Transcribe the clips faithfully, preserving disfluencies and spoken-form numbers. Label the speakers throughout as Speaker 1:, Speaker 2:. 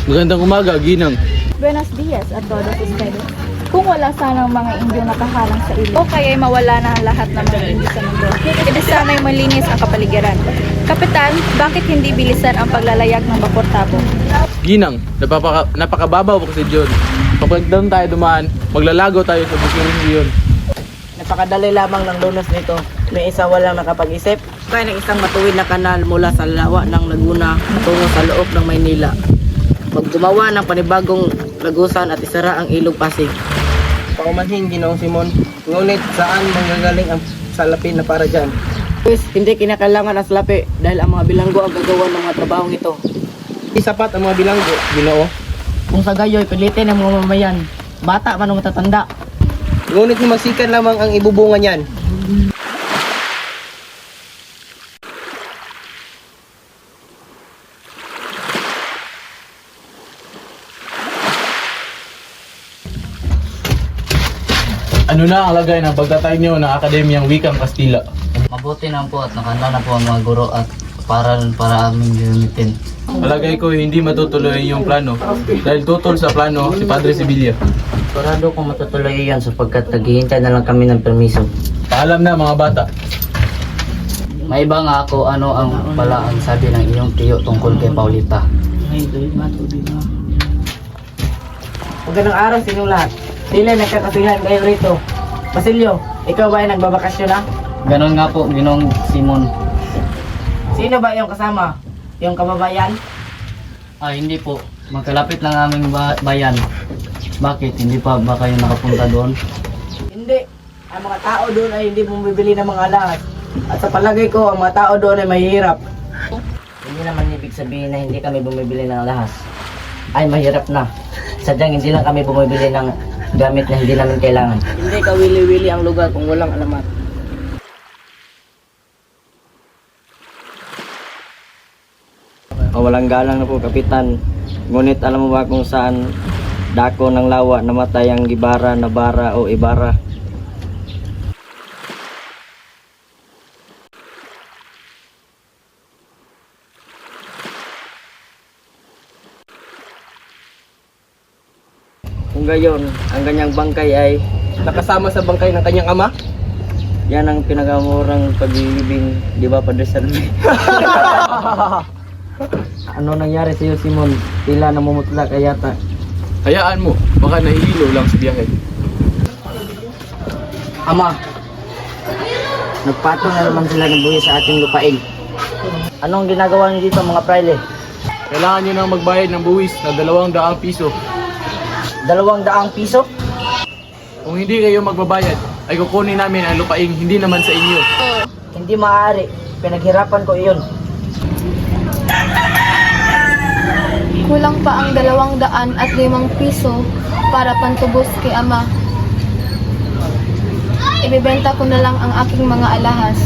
Speaker 1: Magandang umaga, Ginang.
Speaker 2: Buenos dias a todos ustedes. Kung wala sanang mga Indyo nakahalang sa ilog, o kaya'y mawala na ang lahat ng mga Indyo sa mundo, edi sana'y malinis ang kapaligiran. Kapitan, bakit hindi bilisan ang paglalayag ng Bapor Tabo?
Speaker 1: Ginang, napapaka, napakababaw po kasi John. Kapag doon tayo dumaan, maglalago tayo sa bukong yun.
Speaker 3: Napakadali lamang ng lunas nito. May isa walang nakapag-isip. Kaya ng isang matuwid na kanal mula sa lawa ng Laguna tungo sa loob ng Maynila. Maggumawa ng panibagong lagusan at isara ang ilog Pasig. Paumanhin, Ginoong Simon. Ngunit saan manggagaling ang salapi na para dyan? Pues, hindi kinakailangan ang salapi dahil ang mga bilanggo ang gagawa ng mga trabahong ito. Hindi sapat ang mga bilanggo, Ginoo. Kung sa gayo'y pilitin ang mga mamayan, bata man o matatanda. Ngunit magsikan lamang ang ibubunga niyan.
Speaker 1: Ano na ang lagay ng pagtatay niyo ng Akademiyang Wikang Kastila?
Speaker 4: Mabuti na po at nakanda na po ang mga guro at para para aming gamitin.
Speaker 1: Palagay ko hindi matutuloy yung plano dahil tutol sa plano si Padre Sibilia.
Speaker 4: Sigurado kung matutuloy yan sapagkat naghihintay na lang kami ng permiso.
Speaker 1: Paalam na mga bata.
Speaker 4: May iba nga ako ano ang pala ang sabi ng iyong tiyo tungkol kay Paulita.
Speaker 3: Magandang araw sa inyong lahat. Sila nagkakasihan kayo rito. Basilio, ikaw ba ay nagbabakasyon na?
Speaker 4: Ganon nga po, Ginong Simon.
Speaker 3: Sino ba iyong kasama? Yung kababayan?
Speaker 4: Ah, hindi po. Magkalapit lang aming ba- bayan. Bakit? Hindi pa ba kayo nakapunta doon?
Speaker 3: Hindi. Ang mga tao doon ay hindi bumibili ng mga alahas. At sa palagay ko, ang mga tao doon ay mahihirap.
Speaker 4: Hindi naman ibig sabihin na hindi kami bumibili ng lahas. Ay, mahirap na. Sadyang hindi lang kami bumibili ng gamit na hindi namin kailangan.
Speaker 3: Hindi kawili-wili ang lugar kung walang alamat.
Speaker 5: Walang galang na po, Kapitan. Ngunit alam mo ba kung saan dako ng lawa namatay ang Gibara, Nabara o Ibara? Kung gayon, ang kanyang bangkay ay
Speaker 3: Nakasama sa bangkay ng kanyang ama?
Speaker 5: yan ang pinakamurang pag-ibig, di ba, Padre Salvi? Ano nangyari sa iyo, Simon? Tila namumutla ka yata.
Speaker 1: Hayaan mo, baka nahihilo lang sa biyahe.
Speaker 3: Ama, nagpatong na naman sila ng buhay sa ating lupain.
Speaker 5: Anong ginagawa niyo dito, mga praile?
Speaker 1: Kailangan nyo nang magbayad ng buwis na dalawang daang piso.
Speaker 3: Dalawang daang piso?
Speaker 1: Kung hindi kayo magbabayad, ay kukunin namin ang lupaing hindi naman sa inyo.
Speaker 3: Hindi maaari. Pinaghirapan ko iyon.
Speaker 2: Kulang pa ang dalawang daan at limang piso para pantubos kay Ama. Ibebenta ko na lang ang aking mga alahas.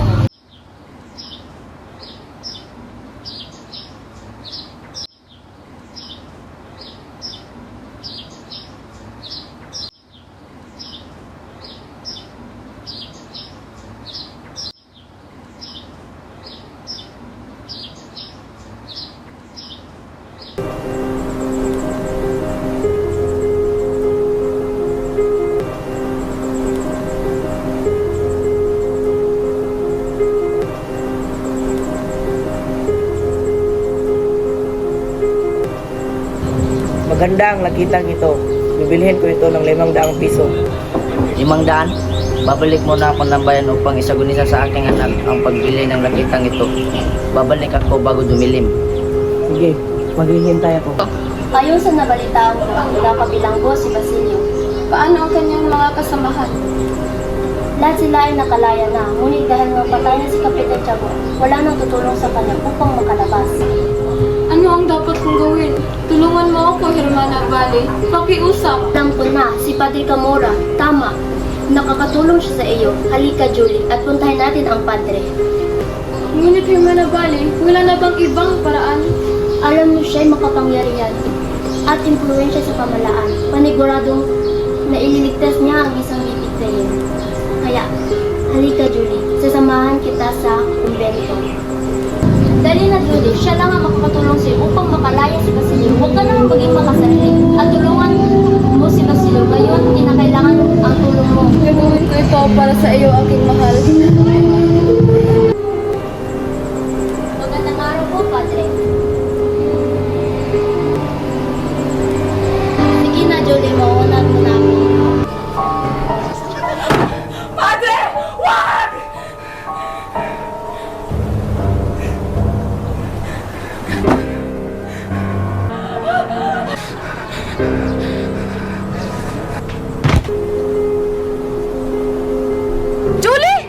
Speaker 3: Maganda ang lakitang ito. Bibilhin ko ito ng limang daang piso.
Speaker 4: Limang daan? Babalik muna ako ng bayan upang isagunisan sa aking anak ang pagbili ng lakitang ito. Babalik ako bago dumilim.
Speaker 3: Sige, maghihintay ako.
Speaker 6: Ayon sa nabalitaan ko, nakabilanggo si Basilio.
Speaker 2: Paano ang kanyang mga kasamahan?
Speaker 6: Lahat sila ay nakalaya na, ngunit dahil napatay na si Kapitan Tiago, wala nang tutulong sa kanya upang makalabas.
Speaker 2: Ano ang dapat kong gawin? Tulungan mo ako, Hermana Valley. Pakiusap.
Speaker 6: Alam ko na, si Padre Camora, tama. Nakakatulong siya sa iyo. Halika, Julie, at puntahan natin ang Padre.
Speaker 2: Ngunit, Hermana Valley, wala na bang ibang paraan?
Speaker 6: Alam niyo siya'y makapangyarihan at impluensya sa pamalaan. Paniguradong na ililigtas niya ang isang bibigtayin. Kaya, halika, Julie. Sasamahan kita sa kumbento. Dali na, Julie. Siya lang ang makakatulong sa'yo upang makalaya si Basilio. Huwag ka nang
Speaker 2: tao para sa iyo, aking mahal.
Speaker 6: Magandang araw po, Padre. Sige na, Julie, mauunan mo na ako.
Speaker 2: Julie!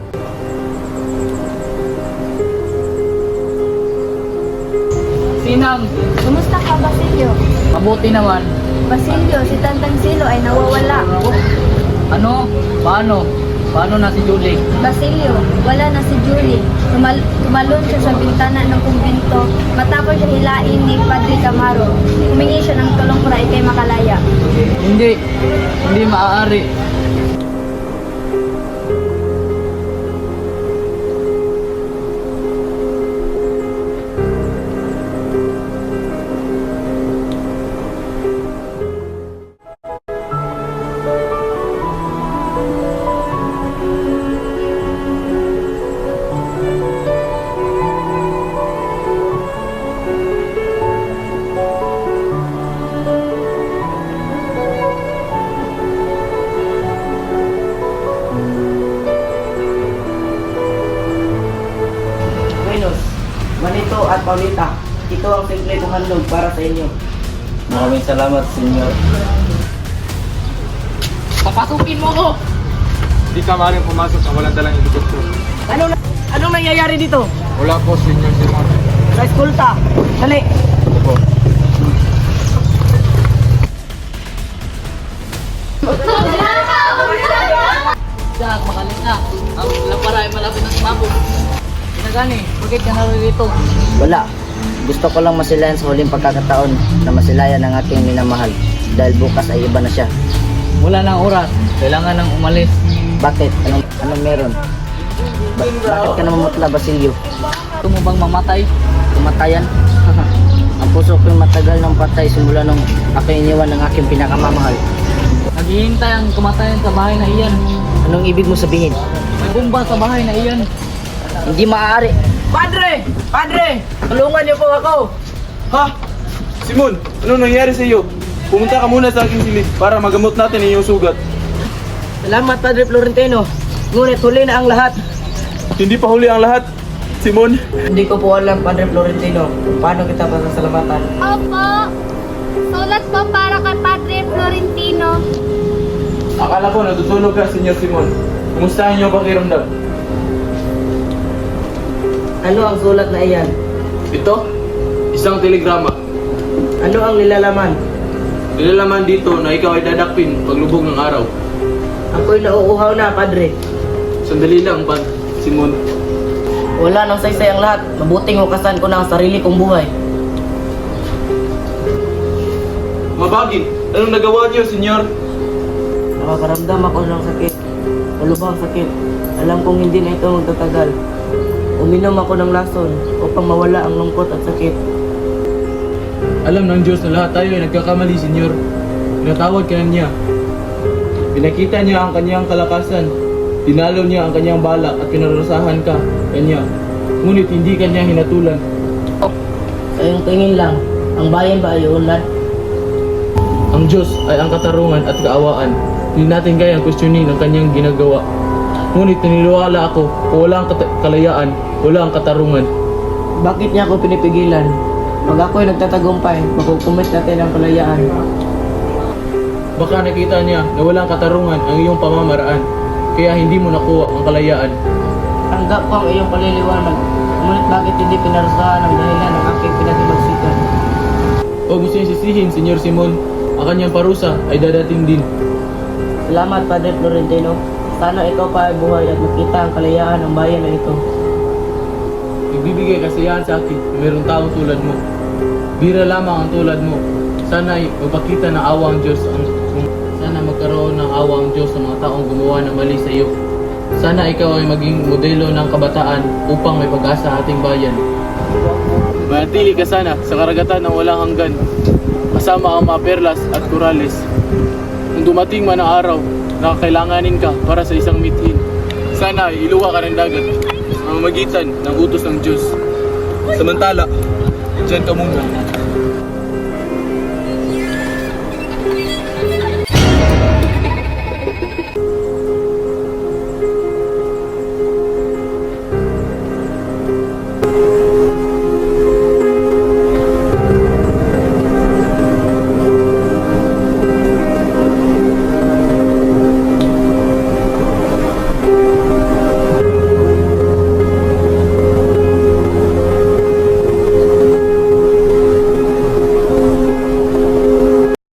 Speaker 3: Sinang,
Speaker 2: Kumusta ka, Basilio?
Speaker 3: mabuti naman.
Speaker 2: Basilio, si Tantang Silo ay nawawala.
Speaker 3: Ano? Paano? Paano na si Julie?
Speaker 2: Basilio, wala na si Julie. Tumal tumalon siya sa bintana ng kumbento matapos siya hilain ni Padre Camaro. Humingi siya ng tulong para ikay makalaya.
Speaker 3: Hindi. Hindi maaari. Venus, Manito at Paulita, ito ang simple kong handog para sa inyo.
Speaker 5: Maraming salamat, Senyor.
Speaker 3: Papasukin mo ko!
Speaker 1: Hindi ka maaaring pumasok sa walang dalang helikopter.
Speaker 3: Ano na, anong nangyayari dito?
Speaker 1: Wala po, Senyor Simon.
Speaker 3: Sa eskulta. Dali.
Speaker 1: Opo.
Speaker 3: Jack, makalis na. Ang lampara ay malapit na sumabog. Pinagani, bakit ka narito?
Speaker 4: Wala. Gusto ko lang masilayan sa huling pagkakataon na masilayan ang aking minamahal dahil bukas ay iba na siya.
Speaker 3: Wala nang oras. Kailangan nang umalis.
Speaker 4: Bakit? Anong, anong meron? Ba- bakit ka namamutla, Basilio?
Speaker 3: Gusto mo bang mamatay?
Speaker 4: Kumatayan? Ang puso ko'y matagal ng patay simula nung ako iniwan ng aking pinakamamahal.
Speaker 3: Naghihintay ang kamatayan sa bahay na iyan.
Speaker 4: Anong ibig mo sabihin?
Speaker 3: May bomba sa bahay na iyan.
Speaker 4: Hindi maaari.
Speaker 3: Padre! Padre! Tulungan niyo po ako!
Speaker 1: Ha? Simon, ano nangyari sa iyo? Pumunta ka muna sa aking silid para magamot natin ang iyong sugat.
Speaker 3: Salamat, Padre Florentino. Ngunit huli na ang lahat.
Speaker 1: Hindi pa huli ang lahat. Simon,
Speaker 3: Hindi ko po alam, Padre Florentino, kung paano kita pasasalamatan.
Speaker 6: Opo. Sulat po para kay Padre Florentino.
Speaker 1: akala ko natutulog ka, Senyor Simon. Kumusta ang iyong pakiramdam?
Speaker 3: Ano ang sulat na iyan?
Speaker 1: Ito, isang telegrama.
Speaker 3: Ano ang nilalaman?
Speaker 1: Nilalaman dito na ikaw ay dadakpin paglubog ng araw.
Speaker 3: Ako'y nauuhaw na, Padre.
Speaker 1: Sandali lang, Pad. Simon.
Speaker 3: Wala nang saysay ang lahat. Mabuting hukasan ko na ang sarili kong buhay.
Speaker 1: Mabagin, anong nagawa niyo, Senyor?
Speaker 3: Nakakaramdam ako ng sakit. Malubhang sakit. Alam kong hindi na ito magtatagal. Uminom ako ng lason upang mawala ang lungkot at sakit.
Speaker 1: Alam ng Diyos na lahat tayo ay nagkakamali, Senyor. Pinatawad ka na niya. Pinakita niya ang kanyang kalakasan. Tinalo niya ang kanyang balak at pinarusahan ka kanya. Ngunit hindi kanya hinatulan.
Speaker 3: Sa iyong tingin lang, ang bayan ba ay unlad?
Speaker 1: Ang Diyos ay ang katarungan at kaawaan. Hindi natin kayang questionin ang kanyang ginagawa. Ngunit naniniwala ako kung wala ang kata- kalayaan, wala ang katarungan.
Speaker 3: Bakit niya ako pinipigilan? Pag ako'y nagtatagumpay, makukumit natin ang kalayaan.
Speaker 1: Baka nakita niya na walang katarungan ang iyong pamamaraan, kaya hindi mo nakuha ang kalayaan.
Speaker 3: Tanggap ko ang iyong paliliwanag. Ngunit bakit hindi pinarusahan ang dahilan ng aking pinagmagsikan?
Speaker 1: O gusto niya sisihin, Senyor Simon, ang kanyang parusa ay dadating din.
Speaker 3: Salamat, Padre Florentino. Sana ikaw pa ay buhay at makita ang kalayaan ng bayan na ito.
Speaker 1: Nagbibigay kasiyahan sa akin na mayroong taong tulad mo. Bira lamang ang tulad mo. Sana ay magpakita ng awa ang Diyos ang sana magkaroon ng awa ang Diyos sa mga taong gumawa ng mali sa iyo. Sana ikaw ay maging modelo ng kabataan upang may pag-asa sa ating bayan. Manatili ka sana sa karagatan ng walang hanggan, kasama ang mga perlas at korales. Kung dumating man ang araw na kailanganin ka para sa isang mithin. Sana ay iluwa ka ng dagat sa mamamagitan ng utos ng Diyos. Samantala, dyan ka muna.